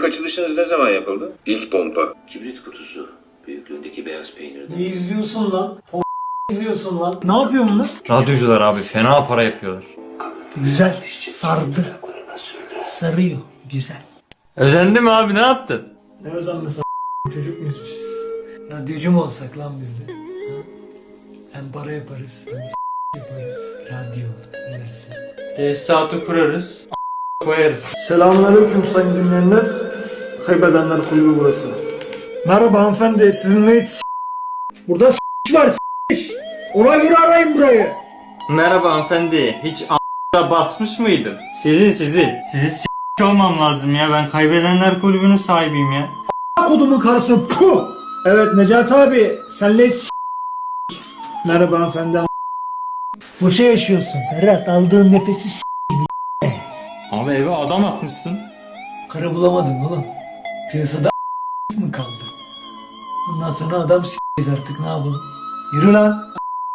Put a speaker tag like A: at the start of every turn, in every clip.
A: açılışınız ne zaman yapıldı?
B: İlk pompa.
C: Kibrit kutusu büyüklüğündeki beyaz peynirden.
D: Ne izliyorsun lan? izliyorsun lan. Ne yapıyorsun lan?
E: Radyocular abi fena para yapıyorlar.
D: Güzel. Sardı. Sarıyor. Güzel.
E: Özendi mi abi, ne yaptın?
D: Ne özenmesi çocuk muyuz biz? Radyocu mu olsak lan biz de? Ha? Hem para yaparız hem yaparız. Radyo ne dersin?
E: Tesisatı kurarız. Koyarız.
D: Selamünaleyküm sayın dinleyenler. Kaybedenler kulübü burası. Merhaba hanımefendi, sizin ne burada var ona göre arayın burayı.
E: Merhaba hanımefendi. Hiç a**da basmış mıydım? Sizin. Sizi olmam lazım ya. Ben kaybedenler kulübünün sahibiyim ya.
D: Kodumun karısı puh. Evet Necati abi senle merhaba hanımefendi. Boşa yaşıyorsun Ferhat, aldığın nefesi
E: Abi eve adam atmışsın.
D: karı bulamadım oğlum. Piyasada mı kaldı? Bundan sonra adam s***yiz artık, ne yapalım? Yürü lan.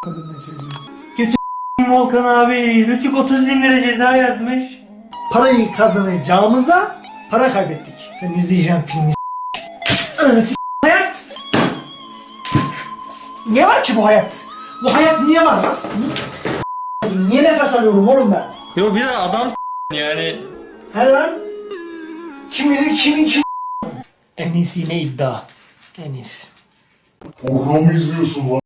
E: Volkan abi Rütük 30.000 lira ceza yazmış.
D: Parayı kazanacağımıza para kaybettik. Sen izleyeceğin filmi Ananı hayat. Ne var ki bu hayat? Bu hayat niye var lan? Hı? Niye nefes alıyorum oğlum ben?
E: Yo bir de adam yani.
D: He lan? Kim bilir kim? En iyisi yine iddia. En iyisi.
B: Programı izliyorsun lan.